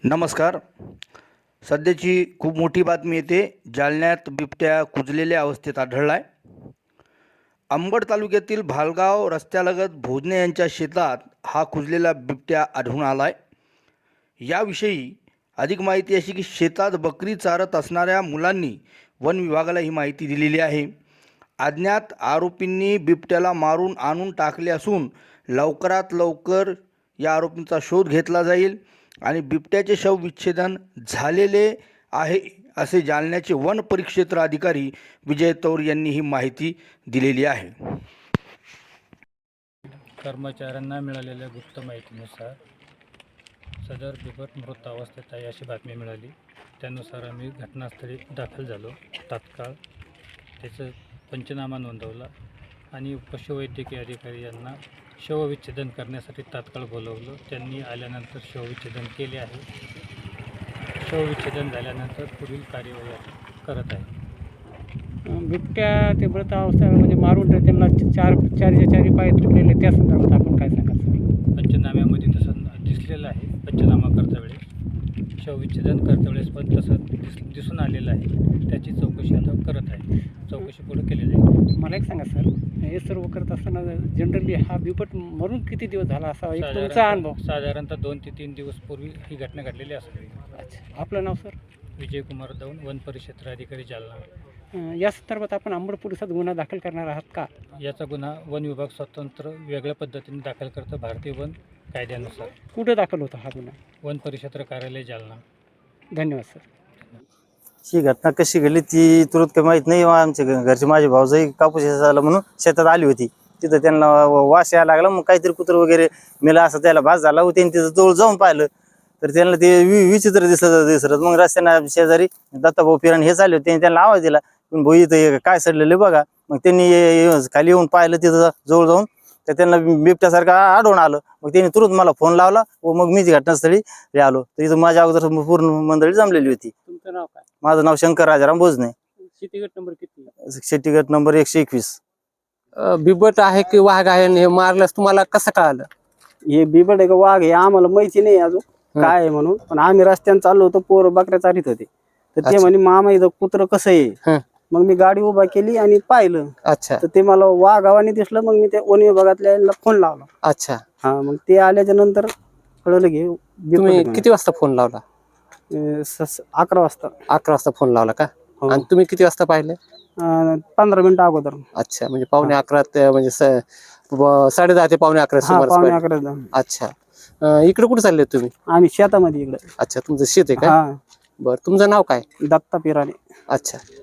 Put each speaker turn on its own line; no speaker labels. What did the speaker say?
नमस्कार. सध्याची खूप मोठी बातमी येते. जालन्यात बिबट्या कुजलेल्या अवस्थेत आढळला आहे. अंबड तालुक्यातील भालगाव रस्त्यालगत भोजने यांच्या शेतात हा कुजलेला बिबट्या आढळून आला आहे. याविषयी अधिक माहिती अशी की शेतात बकरी चारत असणाऱ्या मुलांनी वन विभागाला ही माहिती दिलेली आहे. अज्ञात आरोपींनी बिबट्याला मारून आणून टाकले असून लवकरात लवकर या आरोपींचा शोध घेतला जाईल आणि बिबट्याचे शवविच्छेदन झालेले आहे असे जालन्याचे वन परिक्षेत्र अधिकारी विजय तौर यांनी ही माहिती दिलेली आहे.
कर्मचाऱ्यांना मिळालेल्या गुप्त माहितीनुसार सदर बिबट मृत अवस्थेत आहे अशी बातमी मिळाली. त्यानुसार आम्ही घटनास्थळी दाखल झालो. तात्काळ त्याचं पंचनामा नोंदवला आणि पशुवैद्यकीय अधिकारी यांना शवविच्छेदन करण्यासाठी तात्काळ बोलवलं. त्यांनी आल्यानंतर शवविच्छेदन केले आहे. शवविच्छेदन झाल्यानंतर पुढील कार्यवाही करत आहे.
बिबट्या ते मृत अवस्था म्हणजे मारून त्यांना चारी पाय तुटलेले त्या संदर्भात आपण काय सांगाल सर?
पंचनाम्यामध्ये तसं दिसलेलं आहे. पंचनामा करता वेळेस शवविच्छेदन करता वेळेस पण तसं दिसून आलेलं आहे. त्याची चौकशी आता करत आहे. चौकशी पुढे केली जाईल.
मला एक सांगा सर, हे सर्व करत असताना जनरली हा बिबट मरून किती दिवस झाला असा एक तुमचा अनुभव?
साधारणतः 2 ते 3 दिवस पूर्वी ही घटना घडलेली असावी.
अच्छा, आपलं नाव सर?
विजयकुमार दौन, वन परिक्षेत्र अधिकारी जालना.
या संदर्भात आपण अंबड पोलिसात गुन्हा दाखल करणार आहात का?
याचा गुन्हा वन विभाग स्वतंत्र वेगळ्या पद्धतीने दाखल करतं भारतीय वन कायद्यानुसार.
कुठं दाखल होता हा गुन्हा?
वन परिक्षेत्र कार्यालय जालना.
धन्यवाद सर.
ही घटना कशी घडली ती तुरंत काही माहीत नाही. आमच्या घरचे माझे भाऊजाई कापूस झाला म्हणून शेतात आली होती. तिथं त्यांना वास यायला लागला. मग काहीतरी कुत्र वगैरे मेला असं त्याला भास झाला. त्यांनी तिथं जवळ जाऊन पाहिलं तर त्यांना ते विचित्र दिसत. मग रस्त्यानं शेजारी दत्ताभाऊ पिरण हे चालले होते. त्यांना आवाज दिला, पण भाऊ इथं काय सडलेलं बघा. मग त्यांनी खाली येऊन पाहिलं. तिथं जवळ जाऊन तर त्यांना बिबट्यासारखं आढळून आलं. मग त्यांनी तुरंत मला फोन लावला व मग मी घटनास्थळी आलो. तर इथं माझ्या अगोदर पूर्ण मंडळी जमलेली होती.
तुमचं नाव काय?
माझं नाव शंकर राजाराम भोजने.
शेती गट नंबर किती?
शेती गट नंबर 121.
बिबट आहे की वाघ आहे आणि हे मारल्यास तुम्हाला कसं कळालं?
हे बिबट आहे का वाघ हे आम्हाला माहिती नाही अजून काय आहे म्हणून. पण आम्ही रस्त्याने चाललो होतो, पोर बकऱ्या चारीत होते. तर ते
अच्छा.
म्हणे मामा इथं कुत्र कसं आहे.
हं.
मग मी गाडी उभा केली आणि पाहिलं
अच्छा
तर ते मला वाघावाने दिसलं. मग मी त्या वन विभागातल्या फोन लावला.
अच्छा.
हा, मग ते आल्याच्या नंतर कळलं की बिबट
तुम्ही
आहे म्हणून.
किती वाजता फोन लावला?
11 वाजता.
11 वाजता फोन लावला का?
हो.
आणि तुम्ही किती वाजता पाहिले?
15 मिनिटं अगोदर.
अच्छा, म्हणजे पावणे 11 ते म्हणजे 10:30 ते पावणे 11
हा,
सुमारास
पावणे
पाहिले.
11.
अच्छा. इकडे कुठे चालले तुम्ही?
आम्ही शेतामध्ये इकडे.
अच्छा, तुमचं शेत आहे का?
हा,
बरं, तुमचं नाव काय?
दत्ता पिराने.
अच्छा.